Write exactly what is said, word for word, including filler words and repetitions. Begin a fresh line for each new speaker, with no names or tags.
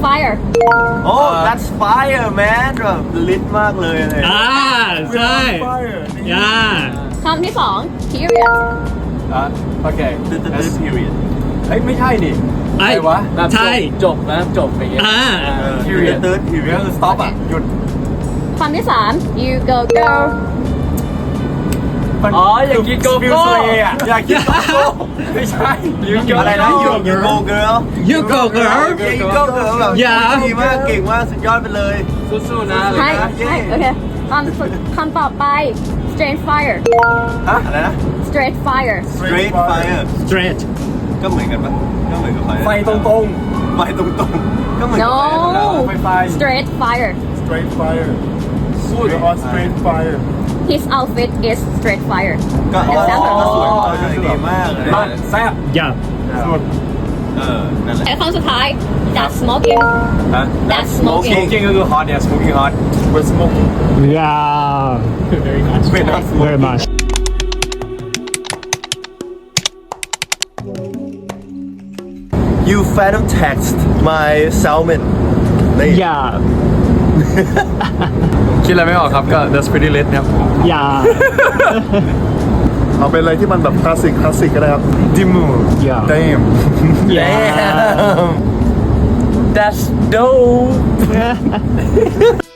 fire
โอ้ that's fire man แบบลิตมากเลยเลย
อ่าใช่ย่า
คำที่สอง period
อ่ะโอเค
the the the period
เฮ้ยไม่ใช่ดิ
ไอ้
อะไรวะ
ใช่
จบนะจบไปเงี้ย
อ่า
เออ the
period
third period คือ stop อ่ะหยุด
คำที่สาม you go girl
อ๋ออย่าคิดโก
ฟิว
โก้
เซอ่ะอยากคิดโกโก้
ไม่ใช่
อะไรนะ you you go girl
you go girl
yeah you go girl แบบ
อย่า
ดีมากเก่งมากสุดยอดไปเลย
สู้ๆนะอะไร
ใช่
นะ
ใช่โอเคคำสุดคำต่อไป straight fire
ฮะอะไรนะ
straight fire
straight fire
straight
ก็เหมือนกันปะก็เหมือนกับไฟ
ไฟตรง
ไฟตรงๆก็เหมือนกับ
no
ไฟธรรมดา
ๆไฟไฟ
straight fire
Straight fire.
สู้ดิ
You're on straight fire.
his outfit is straight fire
ก็ก็
example
ก็สวยเออดีมากเลย
มันแซ่บ
ย่า
สุด
เออนั่นแหละ
และคำสุดท้าย that's smoking
ฮะ
that's smoking
smoking ก็คือ hot เนี่ย smoking hot
We're smoking.
ย่า
very nice
เป็นนัก
very much
you phantom text my salmon นี่
ย่า
คิดอะไรไม่ออกครับก็ that's pretty lit ครับ
ย่า
เอาเป็นอะไรที่มันแบบคลาสสิกคลาสสิกก็ได้ครับ
Dimu
Yeah.
damn
ย่า
that's dope